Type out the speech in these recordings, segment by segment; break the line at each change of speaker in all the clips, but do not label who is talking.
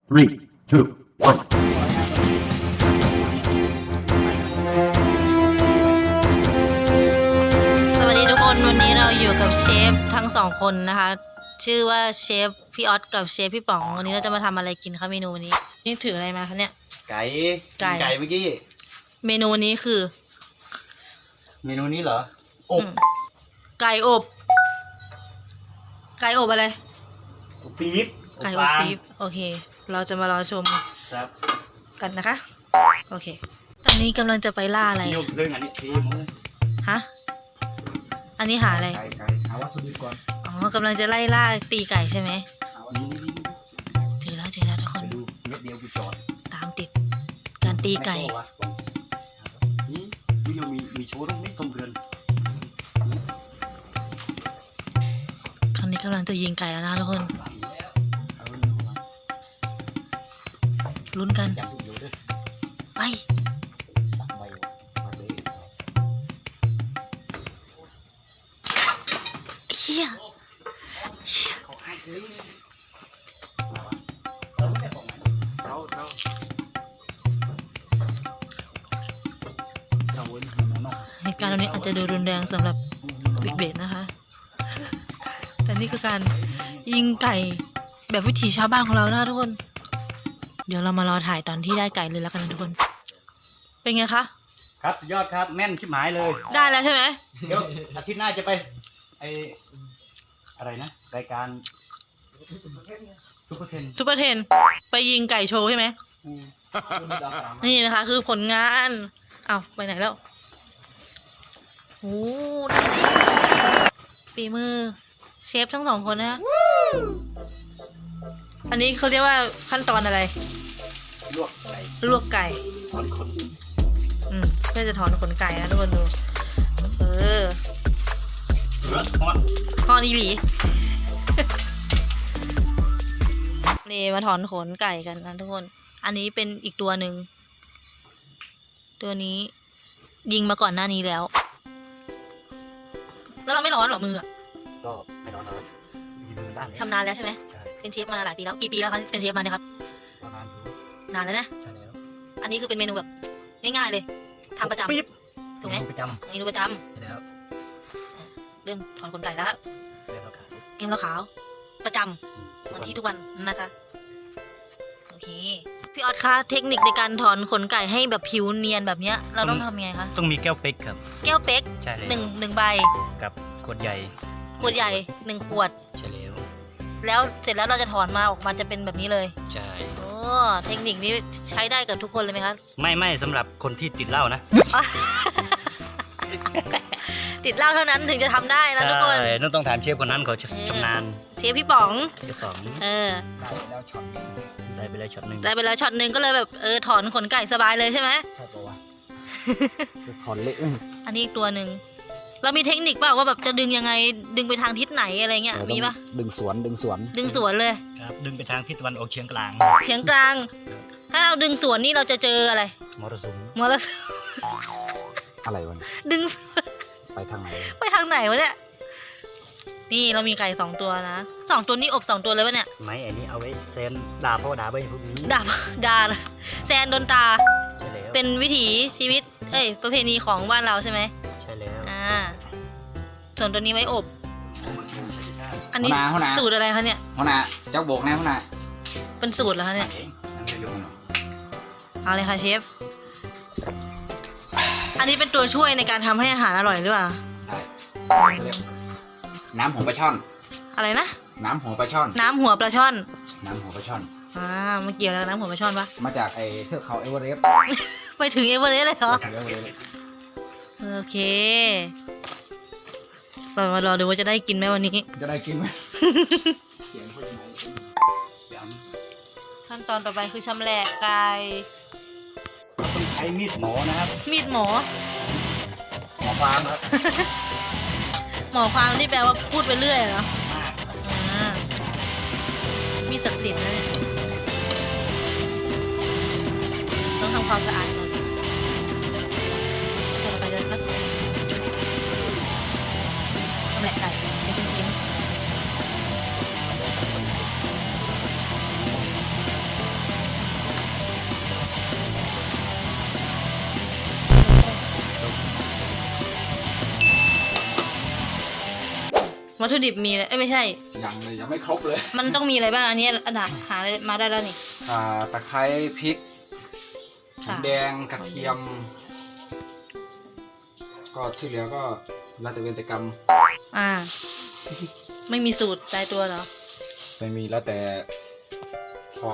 3, 2, 1.
สวัสดีทุกคนวันนี้เราอยู่กับเชฟทั้งสองคนนะคะ ชื่อว่าเชฟพี่ออสกับเชฟพี่ป๋องวันนี้เราจะมาทำอะไรกินคะเมนูวันนี้นี่ถืออะไรมาคะเนี่ย
ไก่
ไก่
ไก่เมื่อกี้
เมนูนี้คือ
เมนูนี้เหรออบ
ไก่อบไก่อบอะไร
อบปี๊บ
ไก่อบ
ฟาง
ปี๊บโอเค เราจะมารอชม
ครับ
กันนะคะโอเคตอนนี้กำลังจะไปล่าอะไร
นี่เรื่องอันนี้ทีมเลย
ฮะอันนี้หาอะไร
ไก่หาวัตถุดิบก่อน
อ๋อกำลังจะไล่ล่าตีไก่ใช่ไหม
นี่
เจอแล้วทุกค
ไป
น
ดูเม็ดเดียวกูจอด
ตามติดการตีไก่
แม่โซ่วะนี่นี่ยังมีโชว์ตรงนี้ตรงเรือน
ครั้งนี้กำลังจะยิงไก่แล้วนะทุกคนลุ้นกัน
จับอยู่ด้วย
ไป
ตักใบมาเลย
เฮีย
เขาให้เลยเราไม่ได้บอกมันเราเว้นมันนอก
เหตุการณ์ตรงนี้อาจจะดูรุนแรงสำหรับบิ๊กเบดนะคะ แต่นี่คือการยิงไก่แบบวิถีชาวบ้านของเรานะทุกคน เดี๋ยวเรามารอถ่ายตอนที่ได้ไก่เลยแล้วกันนะทุกคน เป็นไงคะ
ครับสุดยอดครับแม่นชิบหายเลย
ได้แล้วใช่ไหม
เดี๋ยวอาทิตย์หน้าจะไปไออะไรนะรายการซุปเปอร์เทน
ซุปเปอร์เทนไปยิงไก่โชว์ใช่ไหมนี่นะคะ คือผลงานอ้าวไปไหนแล้วโอ้ฝีมือเชฟทั้งสองคนนะฮะอันนี้เขาเรียกว่าขั้นตอนอะไร
ลวกไก่
ลวกไก่
ถอนขน
เพื่อจะถอนขนไก่นะทุกคนดูเออ
ทอด
พอนีหลี นี่มาถอนขนไก่กันนะทุกคน อันนี้เป็นอีกตัวหนึ่งตัวนี้ยิงมาก่อนหน้านี้แล้ว แล้วเราไม่ร้อนหรอมืออะ
ก็ไม่ร้อนเลยมีมือด้าน
ชำนาญแล้วใช่ไหม
ใช่
เป็นเชฟมาหลายปีแล้วกี่ปีแล้วคะเป็นเชฟมาเนี่ยครับ
ประมาณอยู่
นานแล้วนะ
ใช่แล้ว
อันนี้คือเป็นเมนูแบบง่ายๆเลยทำประจำ
ปี๊บ
ถูกไหม
ประจ
เมนูประจ
ำใช่แล้ว
ำเริ่มถอนขนไก่แล้ว
เรียบร้อยครับ
เกมเราขาวประจำวันที่ทุกวันนะคะโอเคพี่ออสคะเทคนิคในการถอนขนไก่ให้แบบผิวเนียนแบบเนี้ยเราต้องทำยังไงคะ
ต้องมีแก้วเป๊กครับ
แก้วเป๊ก
ใช่แล้ว
หนึ่งใบ
กับขวดใหญ่
ขวดใหญ่1 ขวด
ใช่แล้ว
แล้วเสร็จแล้วเราจะถอนมาออกมาจะเป็นแบบนี้เลย
ใช่
โอ้เทคนิคนี้ใช้ได้กับทุกคนเลยไหมคะ
ไม่สำหรับคนที่ติดเหล้านะ
ติดเหล้าเท่านั้นถึงจะทำได้นะทุกคน
ใช่ต้องถามเชฟคนนั้นเขาชำนาญ
เชฟพี่ป๋อง
เจ้าของ
เออ
ได้ไปแล้วช็อตหนึ่ง
ได้ไปแล้วช็อตหนึ่งก็เลยแบบถอนขนไก่สบายเลยใช่ไหม
ใช่ปะวะถอนเละ
อันนี้อีกตัวหนึ่งเรามีเทคนิคเปล่าว่าแบบจะดึงยังไงดึงไปทางทิศไหนอะไรเงี้ยมีปะ
ดึงสวน
ดึงสวนเลย
ครับดึงไปทางทิศตะวันออกเฉียงกลาง
เฉียงกลาง ถ้าเราดึงสวนนี่เราจะเจออะไร
มรสุม
มรสุม
อะไรวะ
ดึง
ไปทางไหน
ไปทางไหนวะเนี่ยนี่เรามีไก่2 ตัวนะ2 ตัวนี่อบ2 ตัวเลยวะเนี่ย
ไม้อันนี้เอาไว้เซนด่าพ่อด่าไปพวกนี้
ดาแซนโดนตา
ใช่แล้ว
เป็นวิถีชีวิตประเพณีของบ้านเราใช่ไหม
ใช่แล้ว
ส่วนตัวนี้ไว้อบ อันนี้สูตรอะไรคะเนี่ย
หัวหน้าเจ้าโบกนะหัวหน้า
เป็นสูตรเหรอคะเนี่ย เอาเลยค่ะเชฟ อันนี้เป็นตัวช่วยในการทำให้อาหารอร่อยหรือเปล่า
น้ำหัวปลาช่อน
อะไรนะ
น้ำหัวปลาช่อน
น้ำหัวปลาช่อน
น้ำหัวปลาช่อน
มันเกี่ยวกับน้ำหัวปลาช่อนปะ
มาจากไอ้เทือกเขาเอเวอเรสต์
ไปถึงเอเวอเรสต์เลยเหรอ
เอเวอเรสต์
โอเค เรามารอดูว่าจะได้กินไหมวันนี้
จะได้กินไหม
ขั้นตอนต่อไปคือชำแหละไก่
ต้องใช้มีดหมอนะครับ
มีดหมอ
หมอฟางครับ
หมอความที่แปลว่าพูดไปเรื่อยเหรอมีศักดิ์สิทธิ์นะเนี่ยต้องทำความสะอาดก่อนต่อไปเลยครับชำแหละไก่เป็นชิ้นๆวัตถุดิบมีอะไรไม่ใช่
ยังเลยยังไม่ครบเลย
มันต้องมีอะไรบ้างอันนี้อันไหนหาอะไรมาได้แล้วนี่
ตะไคร้พริกหอ
ค่ะ
มแดงกระเทียม ก็ที่เหลือก็แล้วแต่เวรแต่กรรม
อ่า ไม่มีสูตรตายตัวเหรอ
ไม่มีแล้วแต่ของ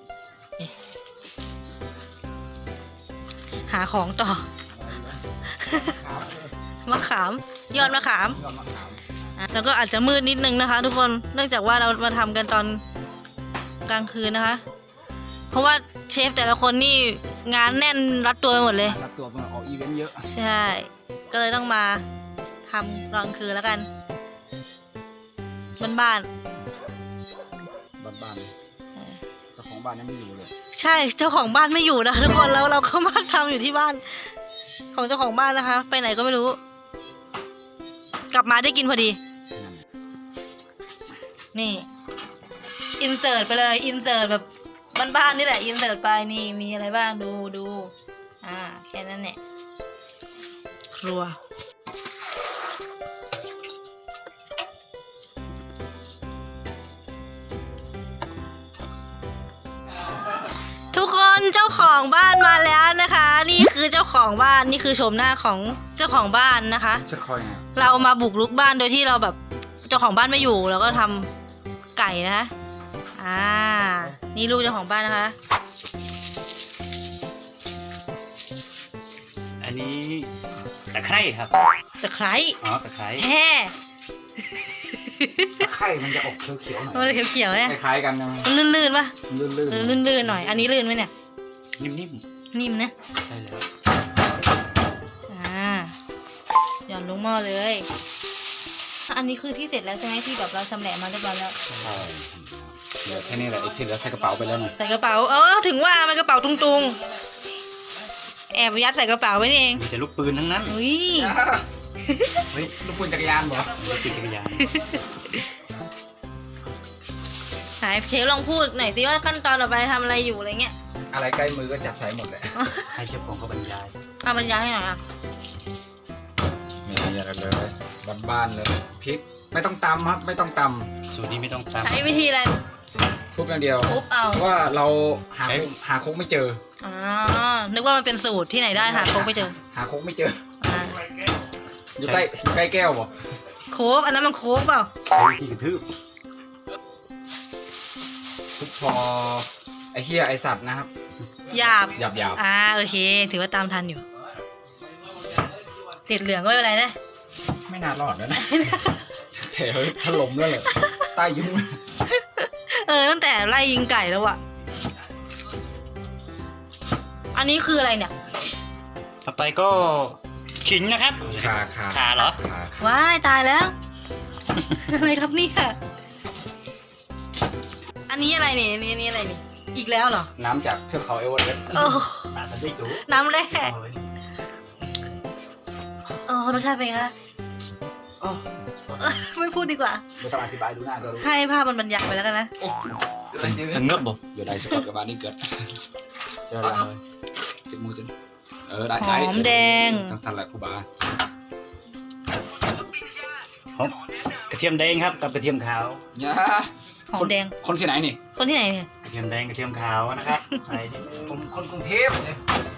หาของต่อ มะขาม ยอดมะขาม
ยอดมะขาม
แล้วก็อาจจะมืดนิดนึงนะคะ ทุกคนเนื่องจากว่าเรามาทำกันตอนกลางคืนนะคะ เพราะว่าเชฟแต่ละคนนี่งานแน่นรัดตัวไปหมดเลย
รับตัวมาออกอีเวนต์เยอะ
ใช่ ก็เลยต้องมาทำกลางคืนแล้วกันบ้าน
บ้านๆเจ้าของบ้านยังไม่อยู่เลย
ๆใช่เจ้าของบ้านไม่อยู่นะคะทุกคนแล้วเราก็มาทำอยู่ที่บ้าน ของเจ้าของบ้านนะคะ ไปไหนก็ไม่รู้ กลับมาได้กินพอดี นี่ อินเสิร์ตไปเลย อินเสิร์ตแบบบ้านๆนี่แหละ อินเสิร์ตไปนี่มีอะไรบ้างดู แค่นั้นแหละครัว ทุกคนเจ้าของบ้านมาแล้วนะคะ นี่คือเจ้าของบ้านนี่คือโฉมหน้าของเจ้าของบ้านนะคะ
จะคอยไง
เรามาบุกรุกบ้านโดยที่เราแบบเจ้าของบ้านไม่อยู่เราก็ทำไก่นะคะนี่ลูกเจ้าของบ้านนะคะ
อันนี้ตะไคร้ครับ
ตะไคร้
อ๋อตะไคร้
แฮ่
ไข่มันจะออกเขียวๆหน่อย
มันจะเขียวๆเนี่ย
คล้ายๆกันนะ
มันลื่นๆปะ
ลื่น
ลื่นๆหน่อย อันนี้ลื่นไหมเนี่ย
นิ่ม
นิ่มนะ
ๆใช่แล้ว
หย่อนลงหม้อเลย อันนี้คือที่เสร็จแล้วใช่ไหมที่แบบเราชำแหละมาเรียบร้อยแล้ว
เหลือแค่นี้แหละไอ้ที่เหลือใส่กระเป๋าไปแล้วเนี่ย
ใส่กระเป๋าถึงว่ามันกระเป๋าตุงๆแอบยัดใส่กระเป๋าไว้นี่เอง
มีแต่ลูกปืนทั้งนั้น
อุ้ย
เฮ้ย
ลูกปืนจักรยานเหรอ
รถติดจักรยาน
หายเชฟลองพูดหน่อยสิว่าขั้นตอนต่อไปทำอะไรอยู่อะไรเงี้ย
อะไรใกล้มือก็จับใส่หมดเลย
ให้เชฟของเขาบรรยาย
บรรยายให้หน่อยอ่ะ
ไม่มีอะไรเลยบ้านๆเลยพริกไม่ต้องตำครับไม่ต้องต
สูตรนี้ไม่ต้องตาม
ใช้วิธีอะไร
ำทุบอย่างเดียว
ทุบเอา
เพราะว่าเราหาคุกไม่เจอ
อ๋อนึกว่ามันเป็นสูตรที่ไหนได้หาโค้กไม่เจอ
หาคุกไม่เจอ
อ่า
อยู่ใกล้แก้วบ่
โค้กอันนั้นมันโค้กเปล่า
ใช้วิธีกระทืบ
ทุบพอไอ้เหี้ยไอ้สัตว์นะครับ
หยาบ
หยาบ
โอเค ถือว่าตามทันอยู่ ติดเหลืองก็ไม่เป็นไรนะ
ๆไม่น่ารอดแล้วนะแถวถล่มแล้วเลยใต้ยุ้ง
ตั้งแต่ไล่ยิงไก่แล้วอะอันนี้คืออะไรเนี่ย
ต่อไปก็ขิงนะครับ ขาเหรอ
ว้ายตายแล้ว อะไรครับเนี่ยอันนี้อะไรเนี่ยนี่อะไรนี่อีกแล้วเหรอ
น้ำจากเทือกเขาเอเวอเรสต์
โอ้
ปลาสลิดดู
น้ำแร่รสชาติเป็นไงคะไม่พูดดีกว่า
ไม่ต้องอธิบายดูหน้าก็รู้
ให้ภาพมันบรรยายไปแล้วกันนะ
ทั้งเงือบบ่
อยู่ได้สกอตกับบ้านนี่เกิดเจออะไรติดมือจนได้
หอมแดง
ทั้งสันแหละครูบา
หอมกระเทียมแดงครับกับกระเทียมขาว
เนี่ย
หอมแดง
คนที่ไหนนี่
คนที่ไหนเนี่ย
กระเทียมแดงกระเทียมขาวนะครับใส่ดิ
ผมคนกรุงเทพเลย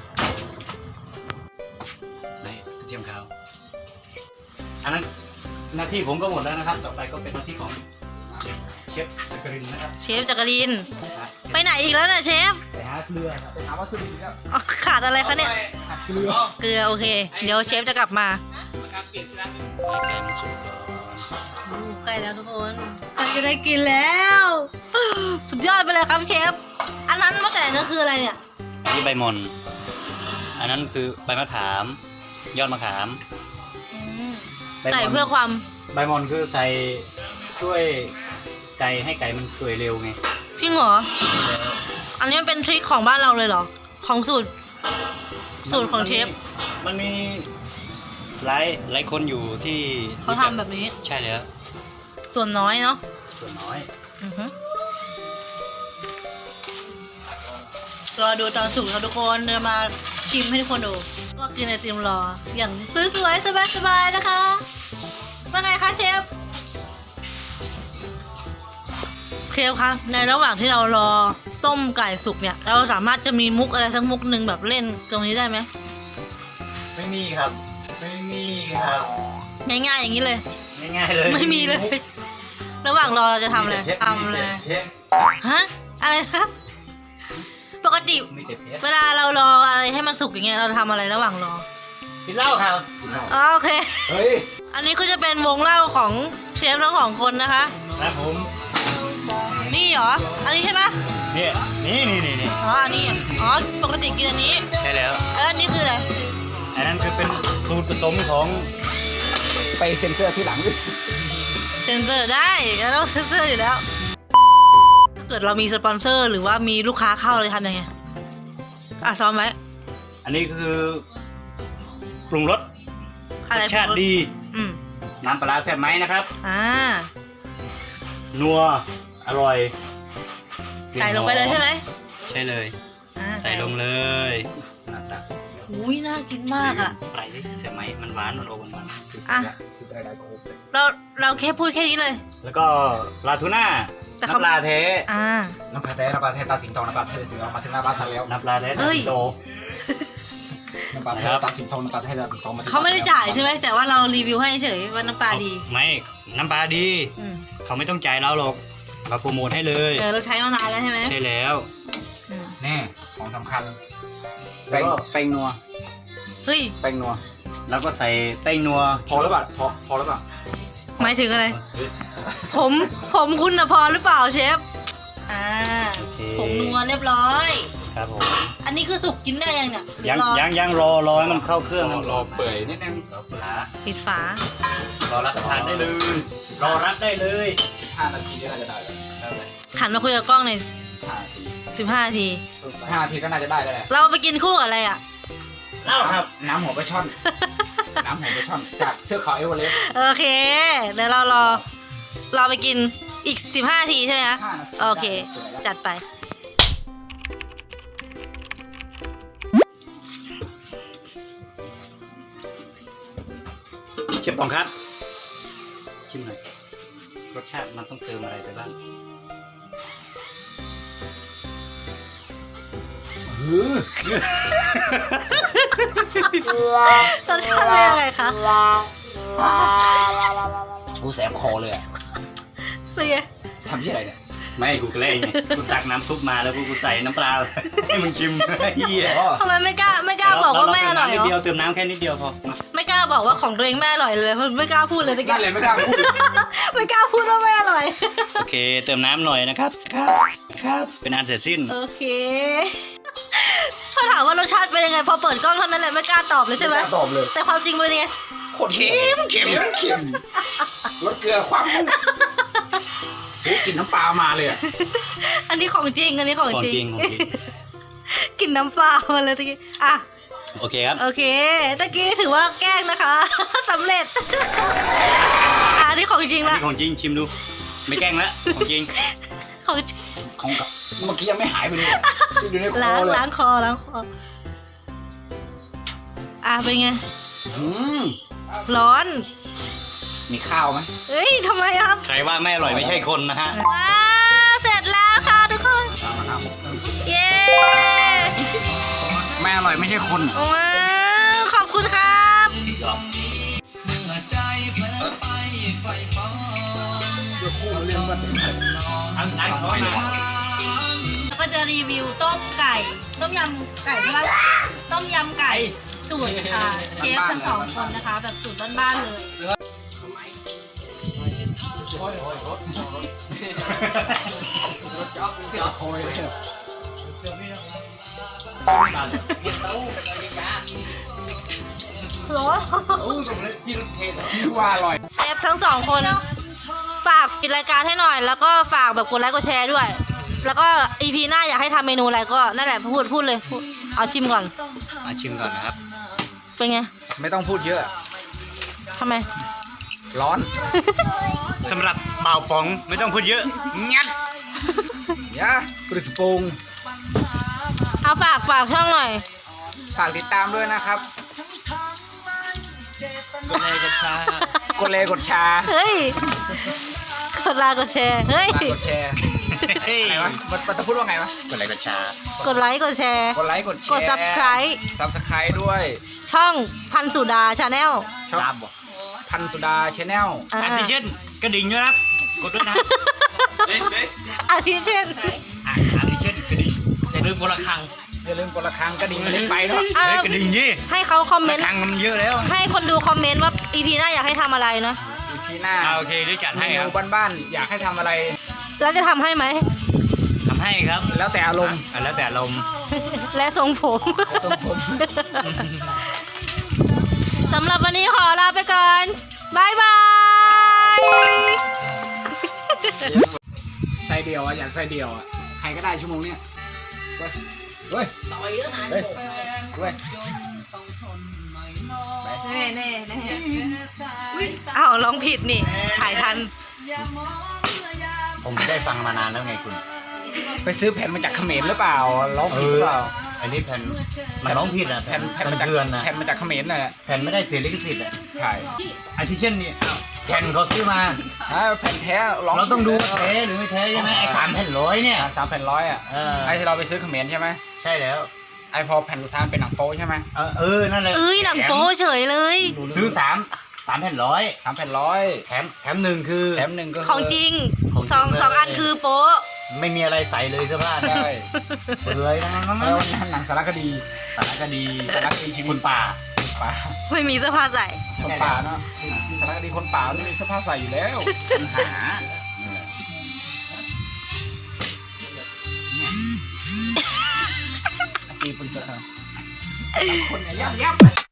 นี่กระเทียมขาวอันนั้นหน้าที่ผมก็หมดแล้วนะครับ ต่อไปก็เป็นหน้าที่ของเชฟจักรินนะครับ
เชฟจักริน ไปไหนอีกแล้วเนี่ยเชฟ
ไปหาเกลือครับ
ไปหาวัตถุดิบแล้ว
ขาดอะไรคะเนี่ย
เกลือ
เกลือโอเค เดี๋ยวเชฟจะกลับมา
ให้ไก่มันสุกก่อน
ใกล้แล้วทุกคนใกล้จะได้กินแล้ว สุดยอดไปเลยครับเชฟ อันนั้นมะแขวนนั่นคืออะไรเนี่ย
อันนี้ใบมอนอันนั้นคือใบมะขาม ยอดมะขาม ใบมอน
ใส่เพื่อความ
ใบมอนคือใส่ช่วยไก่ให้ไก่มันเปื่อยเร็วไง
จริงเหรอ อันนี้มันเป็นทริคของบ้านเราเลยเหรอ ของสูตรของเชฟ
มันมีหลายคนอยู่ที่
เขาทำแบบนี้
ใช่แล้ว
ส่วนน้อยเนาะ
ส่วนน้อย
อือฮึรอดูตอนสุกครับทุกคนเดี๋ยวมาชิมให้ทุกคนดูก็กินไอติมรอ อย่างสวยๆ สบายๆ นะคะว่าไงคะเชฟชฟคะในระหว่างที่เรารอต้มไก่สุกเนี่ย เราสามารถจะมีมุกอะไรสักมุกหนึ่งแบบเล่นตรงนี้ได้ไหม
ไม่มีครับ ไม่มีครับ
ง่ายๆอย่างนี้เลย
ง่ายๆเลย
ไม่มีเลย ระหว่างรอเราจะทำอะไรทำเลย ฮะ อะไรนะปกติ
มีแต่เพชร
เวลาเรารออะไรให้มันสุกอย่างเงี้ยเราทำอะไรระหว่างรอ
กินเหล้าครับ
อ๋อโอเค
เฮ้ย
อันนี้ก็จะเป็นวงเล่าของเชฟทั้งสองคนนะคะ
ครับผม
นี่เหรอ อันนี้ใช่ปะ
เนี่ยนี่
อ๋อ อันนี้ อ๋อ ปกติกินอันนี้
ใช่แล้ว
แล้วอันนี้คืออะไร
อันนั้นคือเป็นสูตรผสมของ
ไปเซ็นเซอร์ที่หลัง
เซ็นเซอร์ได้เราต้องเซ็นเซอร์อยู่แล้ว ถ้าเกิดเรามีสปอนเซอร์หรือว่ามีลูกค้าเข้าเลยทำยังไง อ่ะซ้อมไว้
อันนี้คือปรุงรส
อะไร
รสชาติดี
อืม
น้ำปลาร้าแซ่บไหมนะครับ
อ่า
นัวอร่อย
ใส่ลงไปเลยใช่ไหม
ใช่เลย
อ่า
ใส่ลงเลยหน้าตา
อุ้ยน่ากินมากอ่ะ
ไปดิใช่ไหมมันหวานมันโอมันหวาน
อ่ะ เราแค่พูดแค่นี้เลย
แล้วก็ปลาทูน่า
แต่เขา
น้ำปลาแท้
อ่า
น้ำปลาแท้ตาสิงทองน้ำปลาแท้ตาสิงทองมาถึงหน้าบ้านทันแล้ว
น้ำปลาแท้
เฮ้ย
โต
น้ำปลาแท้ตาสิงทองน้ำปลาแท้ตาสิงทองมาถึง
เขาไม่ได้จ่ายใช่ไหมแต่ว่าเรารีวิวให้เฉยว่าน้ำปลาดี
ไม่น้ำปลาดี
อืม
เขาไม่ต้องจ่ายเราหรอกเราโปรโมทให้เลย
เราใช้มานานแล้วใช่ไหม
ใช่แล้ว
อืม
แน่ของสำคัญ
แล้วก็
แป้งนัว
เฮ้ย
แป้งนัว
แล้วก็ใส่แป้งนัว
พอหรือเปล่าพอหรือเปล่า
หมายถึงอะไร ผมคุณนะพอหรือเปล่าเชฟ อ่า
โอเค
ผงนัวเรียบร้อย
ครับผม
อันนี้คือสุกกินได้ยังเนี่ยหรือ
ยัง
รอ
ยังรอให้มันเข้าเครื่องมัน
รอเปื่อยนิดนึง
ปิดฝา
รอรับประทานได้เลยรอรับได้เลย
5 นาทีก็น่าจะได้แล้ว
หันมาคุยกับกล้องหน่อย
5 นาที
15 นาที
5 นาทีก็น่าจะได้แล้วแหละ
เราไปกินคู่กับอะไรอ่ะ
เล่าครับ
น้ำหัวปลาช่อน น้ำหัวปลาช่อนจากเทือกเขาเอเวอเรสต์
โอเค เดี๋ยวเราไปกินอีก 15 นาทีใช่ไหมคะ
5 นาที
โอเค จัดไป
เชฟปองครับชิมหน่อยรสชาติมันต้องเติมอะไรไปบ้าง
รสชาติเป็นยังไงคะ
กูแสบคอเลยอ่ะ
เสีย
ทำที่อะไรเนี่ย
ไม่กูแกล้งไงกูตักน้ำซุปมาแล้วกูใส่น้ำปลา ให้มึงชิมเฮีย
ทำไมไม่กล้าบอกว่าไม่อร่อย
นิด
เหร
เดียว
อ
เติมน้ำแค่นิดเดียวพอมา
ไม่กล้าบอกว่าของตัวเองไม่อร่อยเลยไม่กล้าพูดเลยตะกี้
นั่นเลยไม่กล้าพูด
ไม่กล้าพูดว่าไม่อร่อย
โอเค เติมน้ำหน่อยนะครับครับเป็นอันเสร็จสิ้น
โอเคพอถามว่ารสชาติเป็นยังไงพอเปิดกล้องเท่านั้นแหละไม่กล้าตอบเลยใช่ไหม
ไม่กล้าตอบเลย
แต่ความจริงเป็นยังไง
โคตรเค็มรสเกลือความโอ้กลินน้ำปลามาเลยอ่ะ
อันนี้ของจริงอันนี้ของ
ของ
จริง
จริงของจริง
กลินน้ำปลามาเลยตะกี้อ่ะ
โอเคครับ
โอเคตะกี้ถือว่าแกล้งนะคะ สำเร็จอันนี้ของจริง
อัน
ละ
นี้ของจริงชิมดู ไม่แกล้งแล้วของจริง
ของจริง
ของกับเมื่อกี้ยังไม่หายไปเลยอะอยู่ในคอ
ล้าง
เลย
ล้างคออ่ะเป็นไง
อืม
ร้อน
มีข้าวไหม
เอ้ยทำไมครับ
ใครว่าไม่อร่อยไม่ใช่คนนะฮะ
ว้าวเสร็จแล้วค่ะทุกคน
เอามาครับ
เย้
ไม่อร่อยไม่ใช่คน
ว้าวขอบคุณครับ ก็จะรีวิวต้มไก่ ต้มยำไก่ใช่ไหมต้มยำไก่สูตรเชฟทั้งสองคนนะคะ แบบสูตรบ้านๆเลย
รถจ๊อบที่เอาโคยเลย
โหรอ
ว่าอร่อย
เชฟทั้งสองคนฝากปิดรายการให้หน่อย แล้วก็ฝากแบบกดไลค์กดแชร์ด้วย แล้วก็ EP หน้าอยากให้ทำเมนูอะไรก็นั่นแหละพูดเลยพูดเอาชิมก่อน
มาชิมก่อนนะครับ
เป็นไง
ไม่ต้องพูดเยอะ
ทำไม
ร้อน
สำหรับเบาป๋องไม่ต้องพูดเยอะงัด
ยะปริสปรุง
เอาฝากช่องหน่อย
ฝากติดตามด้วยนะครับ
กดไลค์กดแชร์
กดเลยกดแชร์
เฮ้ยกดไลค์กดแชร์เฮ้ย
ฝากกดแชร์อะไรวะมันจะพูดว่าไงวะ
กดไลค์กดแชร์
กดไลค์กดแชร์
กดไลค์กดแชร์
กด subscribe
subscribe ด้วย
ช่องพันสุดาชาแนล
ช่องพันสุดาชแนล
อันที่เช่นกระดิ่งด้วยนะครับกดด้วยนะ
อาทิเช่น
อันที่เช่นกระดิ่ง
อย่าลืมกดระฆังอย่าลืมกดระฆังกระดิ่งมันเล็กไปเนาะ
อ่ะ
เฮ้ยกระดิ่งยี่
ให้เขาคอมเมนต์
ตังค์มันเยอะแล้ว
ให้คนดูคอมเมนต์ว่า EP หน้าอยากให้ทำอะไรนะ
ทีหน้า
โอเคเดี๋ยวจัด
เม
ให้ค
นู
รับ
บ้านๆอยากให้ทำอะไร
แล้วจะทำให้ไหม
ทำให้ครับ
แล้วแต่อารมณ์
แล้วแต่ลมณ์
และทรงผม
ทรงผม
สำหรับวันนี้ขอลาไปก่อน บ๊ายบาย
ใส่เดียวอ่ะอยากใส่เดียวอ่ะใครก็ได้ชั่วโมงเนี้ยเว้ยเฮ้ยเฮ้ยเว้ย
อ้าวร้องผิดนี่ ถ่ายทัน
ผมไม่ได้ฟังมานานแล้วไงคุณ
ไปซื้อแผ่นมาจากเขมรหรือเปล่าร้องผิดหรือเปล่า
อันนี้แผ่นมันร้องผิดอ่ะ
แผ่น
มัน
มาจาก
เถื่อนนะ
แผ่นมาจากเขมรน่ะ
แผ่นไม่ได้เสียลิขสิทธิ์อ่ะ
ใช่
อันที่เช่นนี่อ้าวแผ่นเขาซื้อมา
แผ่นแท้ร้อง
เราต้องดูว่าแท้หรือไม่แท้ใช่ไหมไอ้3 แผ่น 100เนี่ย
3 แผ่น 100อ่ะ
เออ
ไอ้ที่เราไปซื้อเขมรใช่ไหม
ใช่แล้ว
ไอ้พอแผ่นสุดท้ายเป็นหนังโป๊ใช่ไหม
นั่นเลย
เอ้ยหนังโป๊เฉยเลย
ซื้อ3 แผ่น 100
3 แผ่น
แถมหนึ่งคือ
100แถมหนึ่งก็คื
ของจริง
ของจริง
สอง
เลย
สองอันคือโป๊ะ
ไม่มีอะไรใส่เลยเสื้อผ้า
ใช่
เปลือยนั่น
แล้วหนังสารคดี
สารคดี
สารคดีชีวิ
คุ
ต
ณป่า
ป่า
ไม่มีเสื้อผ้าใส่
คนป่าเนาะสารคดีคนป่าไม่มีเสื้อผ้าใส่อยู่แล้ว
ปัญหา
ตีปืนเสือคนเนี่ยยับ